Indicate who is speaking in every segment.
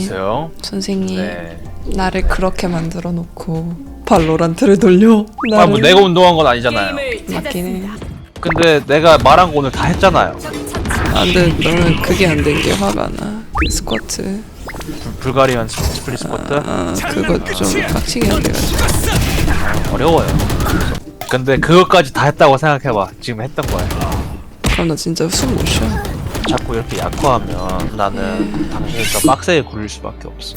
Speaker 1: 안녕하세요.
Speaker 2: 선생님
Speaker 1: 네.
Speaker 2: 나를 그렇게 만들어 놓고 발로란트를 돌려
Speaker 1: 아, 뭐 내가 운동한 건 아니잖아요.
Speaker 2: 맞긴 해.
Speaker 1: 근데 내가 말한 거 오늘 다 했잖아요.
Speaker 2: 안돼 너는 그게 안 된 게 화가 나. 그 스쿼트
Speaker 1: 불가리안 스플릿 스쿼트
Speaker 2: 그거 좀 빡치게 안 돼가지고.
Speaker 1: 어려워요. 근데 그것까지 다 했다고 생각해봐. 지금 했던 거야.
Speaker 2: 그럼 나 진짜 숨 못 쉬어.
Speaker 1: 자꾸 이렇게 약화하면 나는 당신을 더 빡세게 굴릴 수밖에 없어.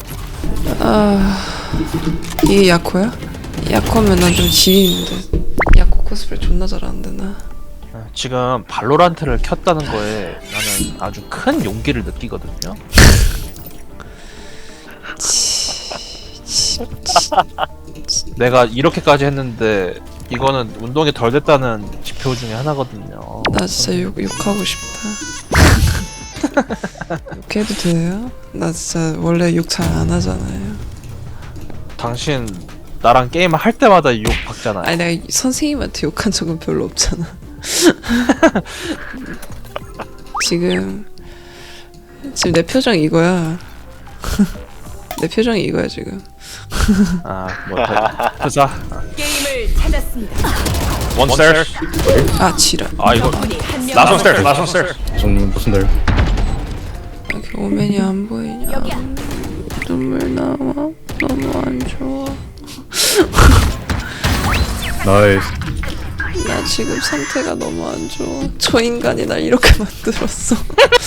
Speaker 2: 이게 야코야? 야코면 난 좀 지리는데. 야코 코스프레 존나 잘하는데 나.
Speaker 1: 지금 발로란트를 켰다는 거에 나는 아주 큰 용기를 느끼거든요. 내가 이렇게까지 했는데 이거는 운동이 덜 됐다는 지표 중에 하나거든요.
Speaker 2: 나 진짜 욕하고 싶다. 욕해도 돼요? 나 진짜 원래 욕 잘 안 하잖아요.
Speaker 1: 당신 나랑 게임을 할 때마다 욕 받잖아요.
Speaker 2: 아니 내가 선생님한테 욕한 적은 별로 없잖아. 지금 내 표정 이거야. 내 표정이 이거야 지금.
Speaker 1: 부사.
Speaker 3: 게임을 찾았습니다.
Speaker 1: One stairs.
Speaker 2: 아 지랄.
Speaker 1: 아 이거
Speaker 3: 적군이 한 명
Speaker 1: last one stairs. Last one stairs.
Speaker 4: 정문 무슨 날?
Speaker 2: 이렇게 오면이 안 보이냐.
Speaker 3: 여기야.
Speaker 2: 눈물 나와. 너무 안 좋아.
Speaker 4: 나이스.
Speaker 2: 나 지금 상태가 너무 안 좋아. 저 인간이 날 이렇게 만들었어.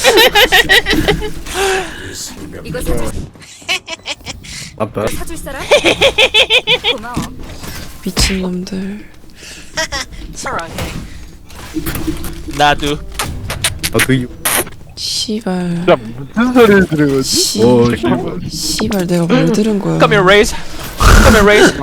Speaker 3: 이거 사줄,
Speaker 4: 아빠.
Speaker 3: 사줄 사람? 고마워.
Speaker 2: 미친놈들.
Speaker 1: 나도.
Speaker 4: 그
Speaker 2: 씨발.
Speaker 1: 무슨 소리를 들은 거지?
Speaker 4: 오,
Speaker 2: 씨발 내가 뭘 들은 거야.
Speaker 1: Come here, raise. Come here, raise.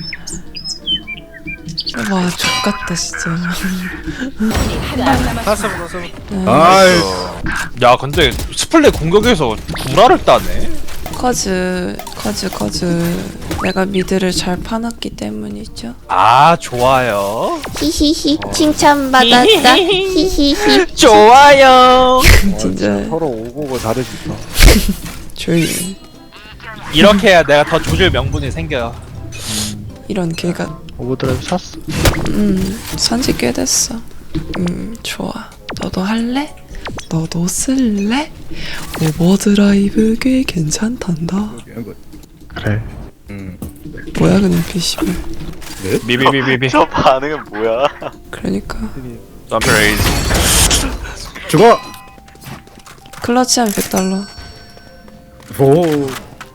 Speaker 2: 와 족같다 진짜.
Speaker 3: 한명 남았어.
Speaker 4: 나이스.
Speaker 1: 야 근데 스플레 공격에서 구라를 따네.
Speaker 2: 커즈. 내가 미드를 잘 파놨기 때문이죠.
Speaker 1: 아 좋아요.
Speaker 5: 히히히 칭찬받았다 히히히
Speaker 1: 좋아요.
Speaker 2: 진짜
Speaker 6: 서로 오고고 다르니까.
Speaker 2: 조용히 해.
Speaker 1: 이렇게 해야 내가 더 조질 명분이 생겨요.
Speaker 2: 이런 개가.
Speaker 6: 오버드라이브 샀어.
Speaker 2: 산지 꽤 됐어. 좋아. 너도 할래? 너도 쓸래? 오버드라이브 꽤 괜찮단다.
Speaker 6: 그래.
Speaker 2: 뭐야 그 눈빛 씨발.
Speaker 1: 비비비비비.
Speaker 7: 저 반응은 뭐야?
Speaker 2: 그러니까
Speaker 1: Come here, raise.
Speaker 4: 죽어.
Speaker 2: 클러치하면 $100.
Speaker 4: 오.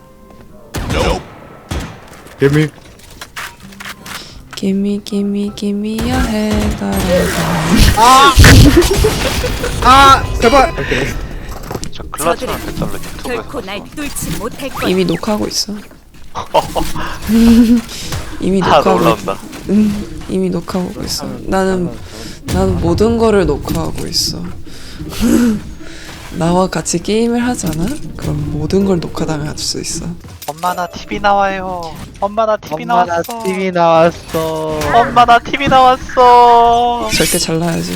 Speaker 4: 개미.
Speaker 2: 기미야 해달라.
Speaker 4: 제발.
Speaker 7: 저 클라치만 100달러 유튜브에서
Speaker 3: 결코 날 뚫지 못할 거야.
Speaker 2: 이미 녹화하고 있어. 이미
Speaker 7: 다
Speaker 2: 녹화하고
Speaker 7: 올라온다.
Speaker 2: 이미 녹화하고 있어. 나는 모든 거를 녹화하고 있어. 나와 같이 게임을 하잖아? 그럼 모든 걸 녹화당할 수 있어.
Speaker 7: 엄마 나 TV 나와요. 엄마 나 TV 나왔어.
Speaker 6: TV 나왔어.
Speaker 7: 엄마 나 TV 나왔어.
Speaker 2: 절대 잘라야지.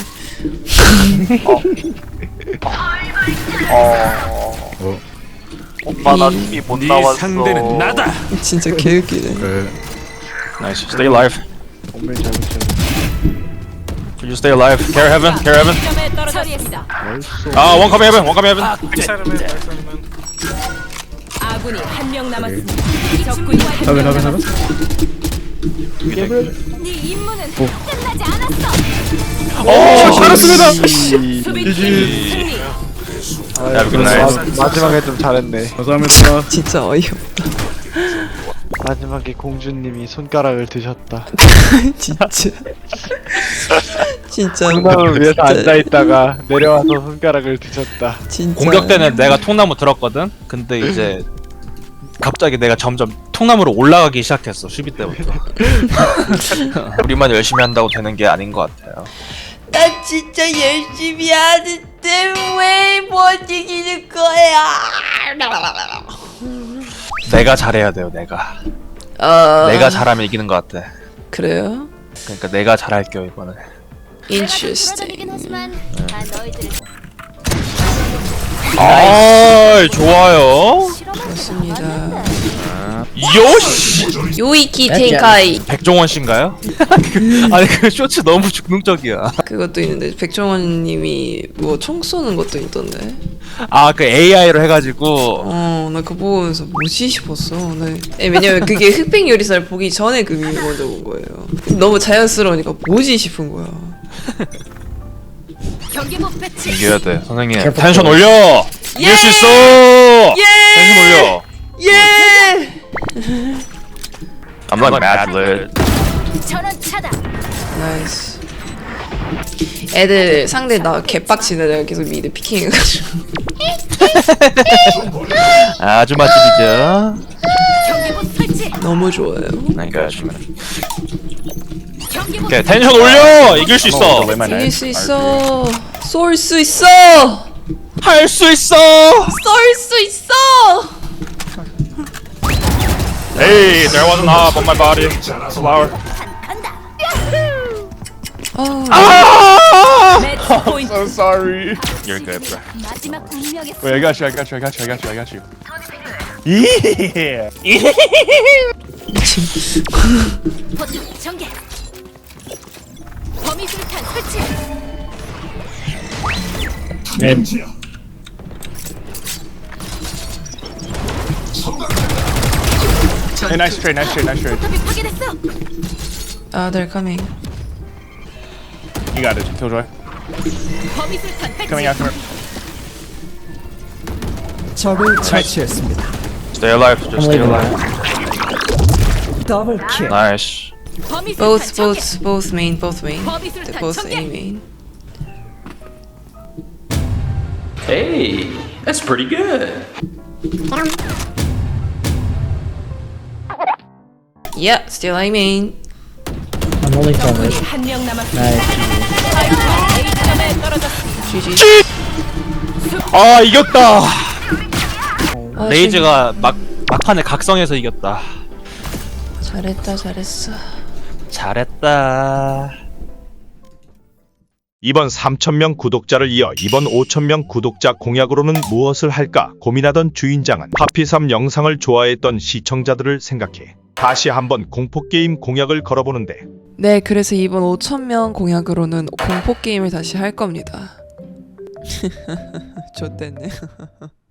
Speaker 7: 엄마 나 TV 못 나왔어.
Speaker 8: 상대는 나다.
Speaker 2: 진짜 개웃기네.
Speaker 4: 그래.
Speaker 1: Nice. Stay alive.
Speaker 6: 정말 잘못했네.
Speaker 1: You stay alive. Care heaven. Care heaven.
Speaker 3: 점에 떨어졌어.
Speaker 1: 아 one come heaven. One come heaven.
Speaker 3: 아군이 한 명 남았습니다. 적군이 한
Speaker 4: 하면
Speaker 3: 명
Speaker 4: 하면 하면.
Speaker 3: 남았습니다. 네 임무는 끝나지 않았어.
Speaker 1: 잘했습니다.
Speaker 3: 수비팀 승리.
Speaker 1: 야, 굿나잇.
Speaker 6: 마지막에 좀 잘했네.
Speaker 4: 감사합니다.
Speaker 2: 진짜 어이없다.
Speaker 6: 마지막에 공주님이 손가락을 드셨다.
Speaker 2: 진짜. 진짜.
Speaker 6: 통나무를 위해서 앉아있다가 내려와서 손가락을 드셨다.
Speaker 2: 진짜.
Speaker 1: 공격 때는 내가 통나무 들었거든. 근데 이제 갑자기 내가 점점 통나무로 올라가기 시작했어. 수비 때부터. 우리만 열심히 한다고 되는 게 아닌 것 같아요.
Speaker 5: 나 진짜 열심히 하는데 왜 못 이기는 거야
Speaker 1: 내가 잘해야 돼요. 내가 잘하면 이기는 것 같아.
Speaker 2: 그래요?
Speaker 1: 그러니까 내가 잘할게요 이번에.
Speaker 5: Interesting.
Speaker 3: 하지만 난 너희들을
Speaker 1: 아, 좋아요.
Speaker 2: 좋습니다.
Speaker 1: 요시.
Speaker 2: 요이키 텐카이.
Speaker 1: 백종원 씨인가요? 아니 그 쇼츠 너무 중독적이야.
Speaker 2: 그것도 있는데 백종원님이 뭐 총 쏘는 것도 있던데.
Speaker 1: 아 그 AI로 해가지고
Speaker 2: 나 그거 보면서 뭐지 싶었어. 왜냐면 그게 흑백 요리사를 보기 전에 그 밈을 먼저 본 거예요. 너무 자연스러우니까 뭐지 싶은 거야.
Speaker 3: 경계복 배치.
Speaker 1: 이겨야 돼 선생님. 텐션 올려. 이길 수 있어. 텐션 올려.
Speaker 2: 예!
Speaker 1: I'm not mad lit.
Speaker 3: 전원 차단.
Speaker 2: 나이스. 애들 상대 나 개빡치네. 내가 계속 미드 피킹해가지고.
Speaker 1: 아주 맛집이죠.
Speaker 3: 경계복 설치.
Speaker 2: 너무 좋아요.
Speaker 1: 그러니까
Speaker 3: 경계복
Speaker 1: 오케이 텐션 올려. 이길 수 있어.
Speaker 2: 이길 수 있어. 쏠 수 있어.
Speaker 1: 할 수 있어.
Speaker 2: 쏠 수 있어.
Speaker 1: Hey, there was an arm on my body. Flower.
Speaker 3: 매치 포인트.
Speaker 6: So sorry.
Speaker 1: You're good, bro.
Speaker 3: 마지막 운명의
Speaker 6: Wait, I got you. I got you. I got you. I got you. I got you. Yeah.
Speaker 3: 포탑 전개. 범위 술탄 설치.
Speaker 6: Hey, nice trade. Nice trade. Nice trade.
Speaker 3: 포탑이 파괴됐어.
Speaker 2: They're coming.
Speaker 6: You got it, Killjoy.
Speaker 3: 범위 술탄 배치.
Speaker 6: Coming after.
Speaker 8: 적을 처치했습니다.
Speaker 1: Stay alive. Just stay alive.
Speaker 8: 더블 킬.
Speaker 1: Nice.
Speaker 3: 범위 술탄 전개.
Speaker 2: Both main.
Speaker 3: 범위
Speaker 2: They're
Speaker 3: 술탄
Speaker 2: both A
Speaker 3: 전개.
Speaker 2: main.
Speaker 9: Hey, that's pretty good.
Speaker 2: Yeah, still I main.
Speaker 3: 적군이 한명 남았습니다. 스파이크가 A점에 떨어졌습니다.
Speaker 2: GG.
Speaker 1: 아 이겼다.
Speaker 2: 아,
Speaker 1: 레이즈가 막판에 각성해서 이겼다.
Speaker 2: 잘했어.
Speaker 1: 잘했다.
Speaker 10: 이번 3,000명 구독자를 이어 이번 5,000명 구독자 공약으로는 무엇을 할까 고민하던 주인장은 파피3 영상을 좋아했던 시청자들을 생각해 다시 한번 공포게임 공약을 걸어보는데
Speaker 2: 네, 그래서 이번 5,000명 공약으로는 공포 게임을 다시 할 겁니다. 좋댔네.